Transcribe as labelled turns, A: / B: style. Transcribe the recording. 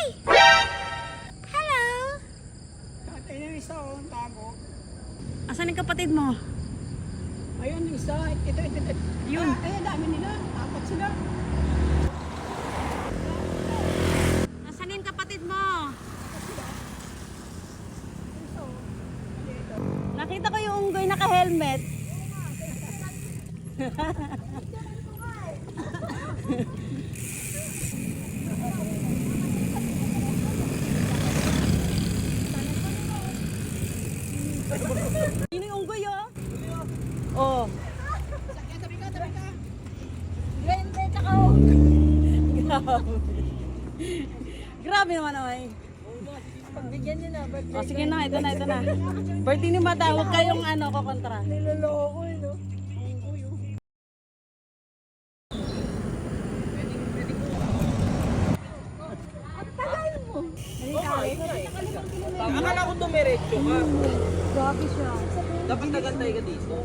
A: Hello!
B: Ayun yung isa, oh, ang tago.
A: Asan yung kapatid mo?
B: Ayun yung isa, ito.
A: Yun.
B: Ayun, dami nila. Apat sila.
A: Asan yung kapatid mo? Nakita ko yung unggoy naka-helmet. Sino yung unggoy, oh? Oh.
B: Tabi ka.
A: Grabe naman ay.
B: Pagbigyan niyo na, birthday.
A: Oh, sige na, ito na. Birthday ni Mata, huwag kayong kukontra.
B: Niloloko eh, no?
C: Akala ko dumiretso ka.
A: Grabe siya.
C: Dapat nagantay ka dito.